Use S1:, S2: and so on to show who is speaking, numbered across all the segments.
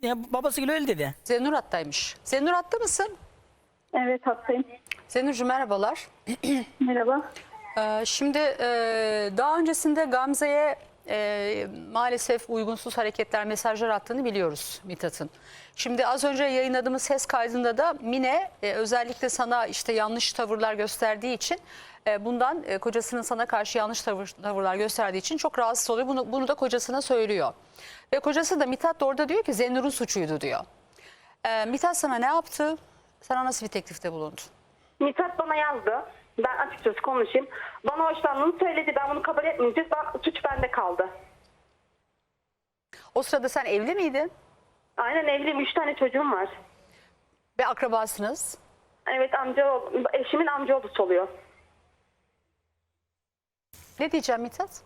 S1: Ya babasıyla öyle dedi.
S2: Zennur hattaymış. Zennur hatta mısın?
S3: Evet, hastayım.
S2: Zennurcuğum merhabalar.
S3: Merhaba.
S2: Şimdi daha öncesinde Gamze'ye maalesef uygunsuz hareketler, mesajlar attığını biliyoruz Mithat'ın. Şimdi az önce yayınladığımız ses kaydında da Mine özellikle sana işte yanlış tavırlar gösterdiği için bundan kocasının sana karşı yanlış tavırlar gösterdiği için çok rahatsız oluyor. Bunu da kocasına söylüyor. Ve kocası da Mithat da orada diyor ki Zennur'un suçuydu diyor. Mithat sana ne yaptı? Sana nasıl bir teklifte bulundu?
S3: Mithat bana yazdı. Ben açıkçası konuşayım. Bana hoşlandığını söyledi. Ben bunu kabul etmeyince suç bende kaldı.
S2: O sırada sen evli miydin?
S3: Aynen evliyim. 3 tane çocuğum var.
S2: Ve akrabasınız.
S3: Evet, eşimin amcaoğlusu oluyor.
S2: Ne diyeceğim Mithat?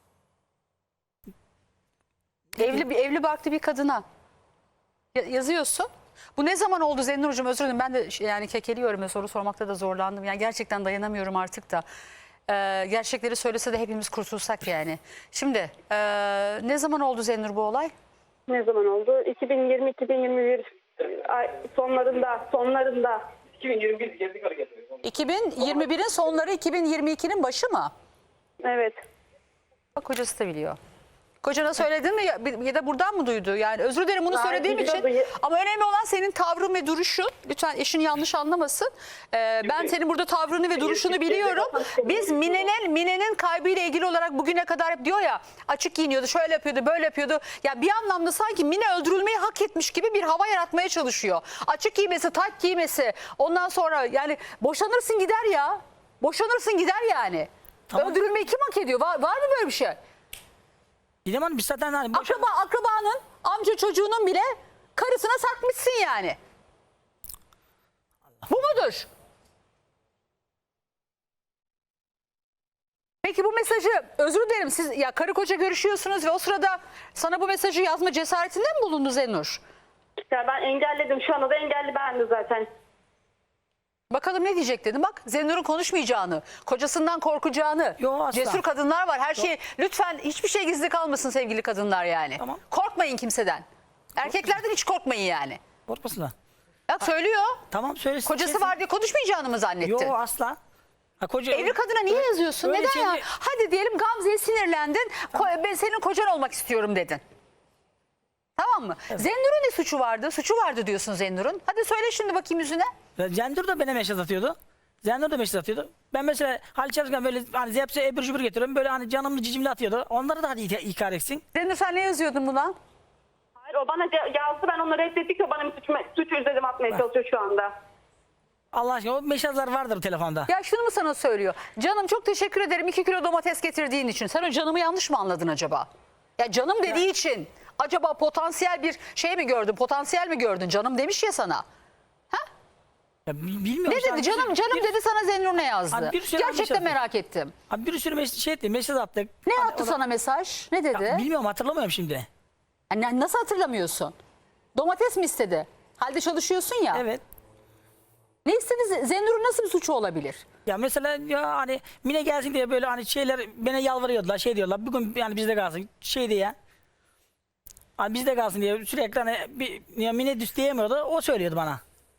S2: Evli barklı bir kadına yazıyorsun. Bu ne zaman oldu Zennurcuğum? Özür dilerim, ben de yani kekeliyorum ve soru sormakta da zorlandım. Yani gerçekten dayanamıyorum artık da. Gerçekleri söylese de hepimiz kurtulsak yani. Şimdi ne zaman oldu Zennur bu olay?
S3: Ne zaman oldu? 2020-2021 sonlarında.
S4: 2021 girdik hareket.
S2: 2021'in sonları, 2022'nin başı mı?
S3: Evet.
S2: Bak kocası da biliyor. Kocana söyledin mi ya da buradan mı duydu? Yani özür dilerim bunu
S3: Hayır,
S2: söylediğim için.
S3: biliyordu.
S2: Ama önemli olan senin tavrın ve duruşun. Lütfen eşin yanlış anlamasın. Ben senin burada tavrını ve duruşunu biliyorum. Biz Mine'nin kaybıyla ilgili olarak bugüne kadar hep diyor ya, açık giyiniyordu, şöyle yapıyordu, böyle yapıyordu. Ya bir anlamda sanki Mine öldürülmeyi hak etmiş gibi bir hava yaratmaya çalışıyor. Açık giymesi, tak giymesi. Ondan sonra yani boşanırsın gider ya. Boşanırsın gider yani.
S1: Tamam.
S2: Öldürülmeyi kim hak ediyor? Var mı böyle bir şey?
S1: Didem Hanım biz zaten hani
S2: Akrabanın, amca çocuğunun bile karısına sakmışsın yani. Bu mudur? Peki bu mesajı, özür dilerim, siz ya karı koca görüşüyorsunuz ve o sırada sana bu mesajı yazma cesaretinde mi bulundu Zennur?
S3: Ya ben engelledim. Şu anda da engelli bendi zaten.
S2: Bakalım ne diyecek dedim. Bak Zennur'un konuşmayacağını, kocasından korkacağını.
S1: Yo, asla.
S2: Cesur kadınlar var. Her şey, lütfen hiçbir şey gizli kalmasın sevgili kadınlar yani.
S1: Tamam.
S2: Korkmayın kimseden. Erkeklerden hiç korkmayın yani.
S1: korkmasınlar.
S2: Bak söylüyor.
S1: Tamam söylesin.
S2: Kocası var diye konuşmayacağını mı zannettin?
S1: Yok asla. Ha,
S2: Evli kadına niye yazıyorsun?
S1: öyle
S2: Neden ya?
S1: şeyleri-
S2: Hadi diyelim Gamze'ye sinirlendin. Ben senin kocan olmak istiyorum dedin. Tamam mı? Evet. Zennur'un ne suçu vardı? Suçu vardı diyorsun Zennur'un. Hadi söyle şimdi bakayım yüzüne.
S1: Zendur da bana mesaj atıyordu. Zendur da mesaj atıyordu. Ben mesela hal çalışırken böyle hani zepse ebir cübür getiriyorum. Böyle hani canımlı cicimli atıyordu. Onları da hadi ikar etsin.
S2: Zennur sen ne yazıyordun buna?
S3: Hayır, o bana yazdı. Ben onu reddettikçe bana bir suç üzerime atmaya çalışıyor şu anda.
S1: Allah aşkına o mesajlar vardır telefonda.
S2: Ya şunu mu sana söylüyor? Canım çok teşekkür ederim 2 kilo domates getirdiğin için. Sen o canımı yanlış mı anladın acaba? Ya canım dediği için acaba potansiyel bir şey mi gördün? Potansiyel mi gördün? Canım demiş ya sana.
S1: Ya bilmiyorum.
S2: Ne dedi? Canım dedi sana Zennur ne yazdı?
S1: Abi bir sürü
S2: Gerçekten
S1: mesaj
S2: merak ettim.
S1: Abi bir sürü mesaj attık.
S2: Ne
S1: Hani
S2: attı
S1: o da-
S2: sana mesaj? Ne dedi?
S1: Ya bilmiyorum hatırlamıyorum şimdi.
S2: Yani nasıl hatırlamıyorsun? Domates mi istedi? Halde çalışıyorsun ya.
S1: Evet.
S2: Ne istedi? Zennur'un nasıl bir suçu olabilir?
S1: Ya mesela ya hani Mine gelsin diye böyle hani şeyler bana yalvarıyordular şey diyorlar bugün yani bizde kalsın şey diye. Hani bizde kalsın diye sürekli hani ya Mine düz diyemiyordu o söylüyordu bana.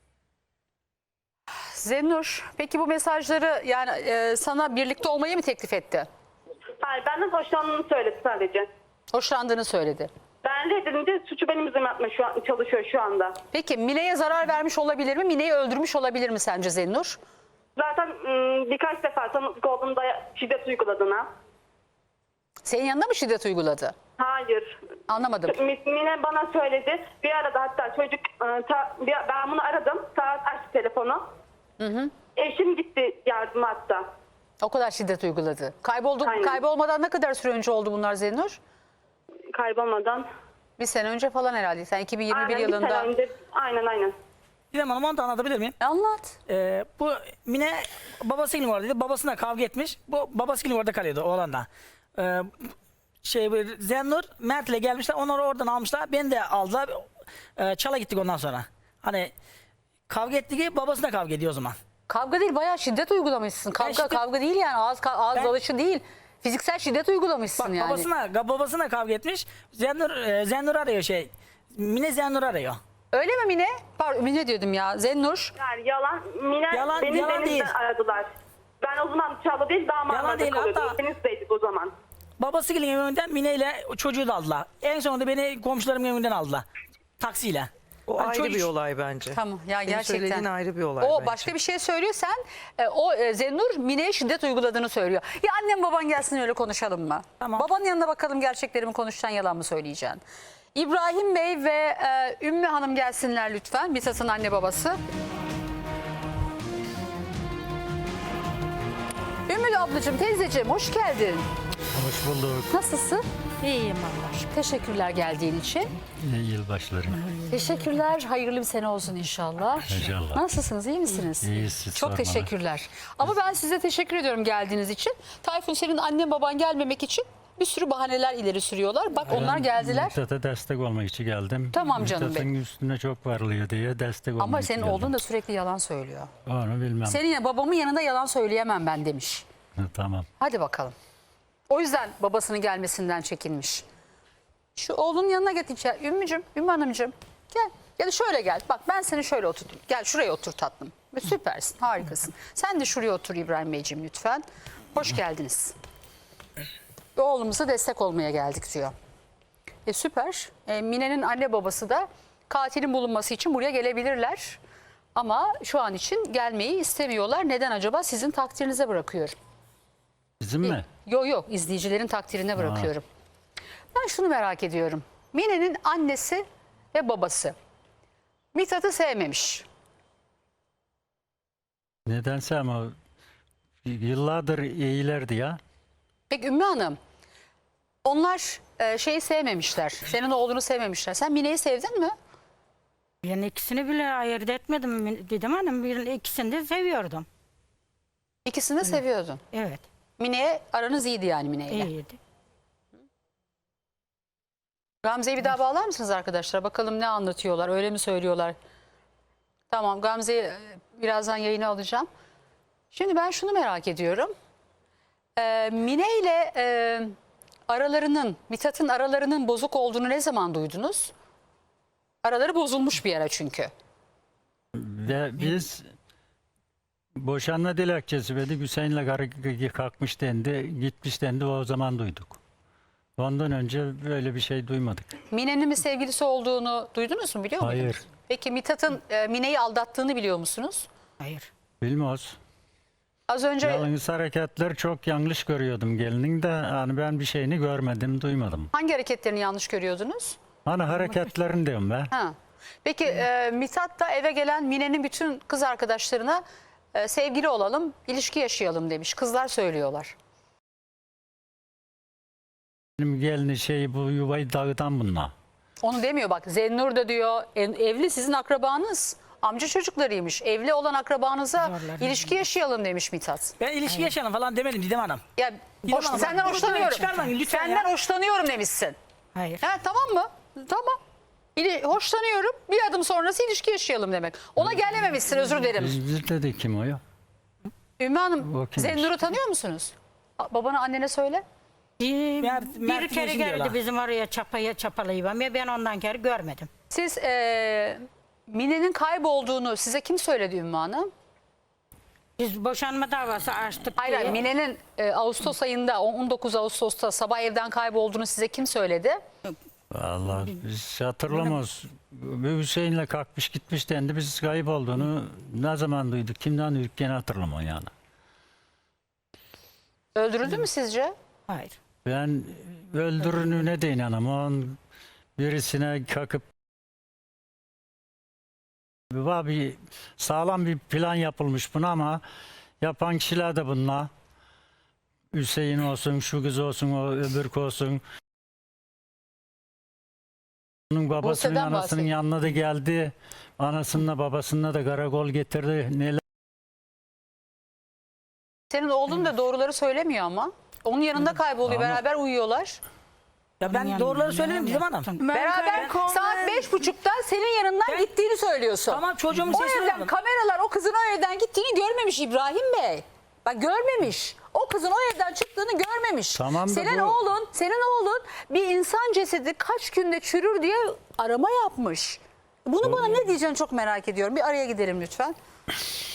S2: Zennur peki bu mesajları yani sana birlikte olmayı mı teklif etti?
S3: Hayır, benden hoşlandığını söyledi sadece.
S2: Hoşlandığını söyledi.
S3: Ben reddedince suçu benim üzerime atmaya çalışıyor şu anda.
S2: Peki Mine'ye zarar vermiş olabilir mi? Mine'yi öldürmüş olabilir mi sence Zennur?
S3: Zaten birkaç defa tanıklık olduğumda şiddet uyguladığına.
S2: Senin yanına mı şiddet uyguladı?
S3: Hayır.
S2: Anlamadım.
S3: Mine bana söyledi. Bir arada hatta çocuk ben bunu aradım. Saat açtı telefonu. Eşim gitti yardıma hatta.
S2: O kadar şiddet uyguladı.
S3: Aynen.
S2: Kaybolmadan ne kadar süre önce oldu bunlar Zennur?
S3: Kaybolmadan.
S2: Bir sene önce falan herhalde. Sen 2021
S3: Aynen, bir
S2: yılında.
S3: sene önce. Aynen.
S1: Didem Hanım onu da anlatabilir miyim?
S2: Anlat.
S1: Bu Mine babasıyla oradaydı. Babasına kavga etmiş. Bu babasıyla orada kalıyordu oğlanla. Zennur Mert'le gelmişler. Onları oradan almışlar. Beni de aldılar. Çala gittik ondan sonra. Hani kavga etti ki babasına kavga ediyor o zaman.
S2: Kavga değil bayağı şiddet uygulamışsın. Kavga değil yani ağız
S1: Ben-
S2: dalışı değil. Fiziksel şiddet uygulamışsın
S1: Bak
S2: yani.
S1: babasına kavga etmiş. Zennur arıyor Mine Zennur arıyor.
S2: Öyle mi Mine? Pardon Mine diyordum ya. Zennur.
S3: Yani yalan. Mine
S1: Yalan-
S3: beni
S1: yalan
S3: denizden
S1: değil.
S3: aradılar. Ben o zaman Çağla değil
S1: Yalan
S3: damadlarda
S1: değil,
S3: kalıyordum.
S1: hatta-
S3: Denizdeydik o zaman.
S1: Babası gelin evinden Mine ile çocuğu da aldılar. En sonunda beni komşularımın evinden aldılar. Taksiyle.
S5: O
S1: Hani
S5: ayrı
S1: çocuk-
S5: bir olay bence.
S2: Tamam ya
S5: Senin
S2: gerçekten.
S5: söylediğin ayrı bir olay
S2: O
S5: bence.
S2: başka bir şey söylüyor sen. Zennur Mine'ye şiddet uyguladığını söylüyor. Ya annem baban gelsin öyle konuşalım mı?
S1: Tamam.
S2: Babanın yanına bakalım gerçekleri mi konuşacaksın yalan mı söyleyeceksin? İbrahim Bey ve Ümmü Hanım gelsinler lütfen. Mithat'ın anne babası. Ümmü ablacığım, teyzeciğim hoş geldin.
S6: Hoş bulduk.
S2: Nasılsın?
S7: İyiyim Allah aşkına.
S2: Teşekkürler geldiğin için.
S6: İyi yılbaşları.
S2: Teşekkürler. Hayırlı bir sene olsun inşallah.
S6: İnşallah.
S2: Nasılsınız? İyi misiniz?
S6: İyiyiz, siz
S2: Çok
S6: sormalı.
S2: teşekkürler. Ama ben size teşekkür ediyorum geldiğiniz için. Tayfun senin annen baban gelmemek için bir sürü bahaneler ileri sürüyorlar. Bak onlar geldiler.
S6: Mithat'a destek olmak için geldim.
S2: Tamam canım
S6: Mithat'ın
S2: benim.
S6: üstüne çok varlıyor diye destek olmak
S2: Ama
S6: için
S2: senin
S6: geldim.
S2: oğlun da sürekli yalan söylüyor.
S6: Onu bilmem.
S2: Senin babamın yanında yalan söyleyemem ben demiş.
S6: Tamam.
S2: Hadi bakalım. O yüzden babasının gelmesinden çekinmiş. Şu oğlunun yanına getireceğim. Ümmü Hanımcığım gel. Ya da şöyle gel. Bak ben seni şöyle oturtayım. Gel şuraya otur tatlım. Süpersin, harikasın. Sen de şuraya otur İbrahim Beyciğim lütfen. Hoş geldiniz. Oğlumuza destek olmaya geldik diyor. Süper. Mine'nin anne babası da katilin bulunması için buraya gelebilirler. Ama şu an için gelmeyi istemiyorlar. Neden acaba? Sizin takdirinize bırakıyorum.
S6: Bizim mi?
S2: Yok izleyicilerin takdirine bırakıyorum. Ben şunu merak ediyorum. Mine'nin annesi ve babası Mithat'ı sevmemiş.
S6: Nedense ama yıllardır iyilerdi ya.
S2: Peki Ümmü Hanım onlar şeyi sevmemişler. Senin oğlunu sevmemişler. Sen Mine'yi sevdin mi?
S7: Ben ikisini bile ayırt etmedim dedim hanım. İkisini de seviyordum.
S2: İkisini de seviyordun.
S7: Evet.
S2: Mine'ye aranız iyiydi yani Mine'yle.
S7: İyiydi.
S2: Gamze'yi bir daha bağlar mısınız arkadaşlar? Bakalım ne anlatıyorlar. Öyle mi söylüyorlar? Tamam Gamze'yi birazdan yayına alacağım. Şimdi ben şunu merak ediyorum. Mine ile aralarının, Mithat'ın aralarının bozuk olduğunu ne zaman duydunuz? Araları bozulmuş bir ara çünkü.
S6: Ve biz boşanma dilekçesi verdik. Hüseyin'le karı kalkmış dendi. Gitmiş dendi. O zaman duyduk. Ondan önce böyle bir şey duymadık.
S2: Mine'nin bir sevgilisi olduğunu duydunuz mu biliyor muydunuz?
S6: Hayır.
S2: Peki Mithat'ın Mine'yi aldattığını biliyor musunuz?
S7: Hayır.
S6: Bilmiyoruz.
S2: Az önce
S6: Yalnız hareketler çok yanlış görüyordum gelinin de. Hani ben bir şeyini görmedim, duymadım.
S2: hangi hareketlerini yanlış görüyordunuz?
S6: Hani hareketlerini diyorum ben.
S2: Ha. Peki Mithat da eve gelen Mine'nin bütün kız arkadaşlarına sevgili olalım, ilişki yaşayalım demiş. Kızlar söylüyorlar.
S6: Benim gelini şey bu yuvayı dağıtan bunlar.
S2: Onu demiyor bak. Zennur da diyor evli sizin akrabanız. Amca çocuklarıymış. Evli olan akrabanıza
S7: Zorlar.
S2: ilişki yaşayalım demiş Mithat.
S1: Ben ilişki yaşayalım falan demedim Didem Hanım.
S2: Ya
S1: Didem Hanım,
S2: senden
S1: bak,
S2: hoşlanıyorum.
S1: çıkarmayın lütfen
S2: Senden
S1: ya.
S2: hoşlanıyorum demişsin.
S7: Hayır.
S2: Ha, tamam mı? Tamam. Hoşlanıyorum. Bir adım sonrası ilişki yaşayalım demek. Ona gelememişsin özür dilerim.
S6: Biz dedi kim o ya?
S2: Ümmü Hanım
S6: O kimmiş?
S2: Zennur'u tanıyor musunuz? Babana annene söyle.
S1: Mert
S7: Bir kere
S1: Yeşil
S7: geldi
S1: diyorlar.
S7: bizim oraya çapalayıp ama ben ondan kere görmedim.
S2: Siz Mine'nin kaybolduğunu size kim söyledi Ümmü Hanım?
S7: Biz boşanma davası açtık
S2: Hayır,
S7: diye.
S2: Mine'nin Ağustos ayında 19 Ağustos'ta sabah evden kaybolduğunu size kim söyledi?
S6: Vallahi biz hatırlamıyoruz. Bir Hüseyin'le kalkmış gitmiş dendi. Biz kayıp olduğunu ne zaman duyduk? Kimden duyduk gene hatırlamıyorum yani.
S2: Öldürüldü mü sizce?
S7: Hayır.
S6: Ben öldürününe de inanamam. Birisine kalkıp bir sağlam bir plan yapılmış buna ama yapan kişiler de bunlar. Hüseyin olsun, şu kız olsun, o öbürk olsun. Onun babasının
S2: Buse'den
S6: anasının
S2: bahsedin.
S6: yanına da geldi. Anasınınla babasına da karakol getirdi. Neler
S2: Senin oğlun da doğruları söylemiyor ama. Onun yanında kayboluyor.
S6: Ama-
S2: Beraber uyuyorlar.
S1: Ya ben doğruları söylemedim Didem Hanım.
S2: Beraber saat 5.30'da senin yanından
S1: Ben-
S2: gittiğini söylüyorsun.
S1: Tamam, çocuğumun
S2: O
S1: sesini
S2: evden
S1: aldım.
S2: kameralar o kızın o evden gittiğini görmemiş İbrahim Bey. Bak görmemiş. O kızın o evden çıktığını görmemiş.
S6: Tamam da
S2: Senin oğlun bir insan cesedi kaç günde çürür diye arama yapmış. Bunu bana ne diyeceksin çok merak ediyorum. Bir araya gidelim lütfen.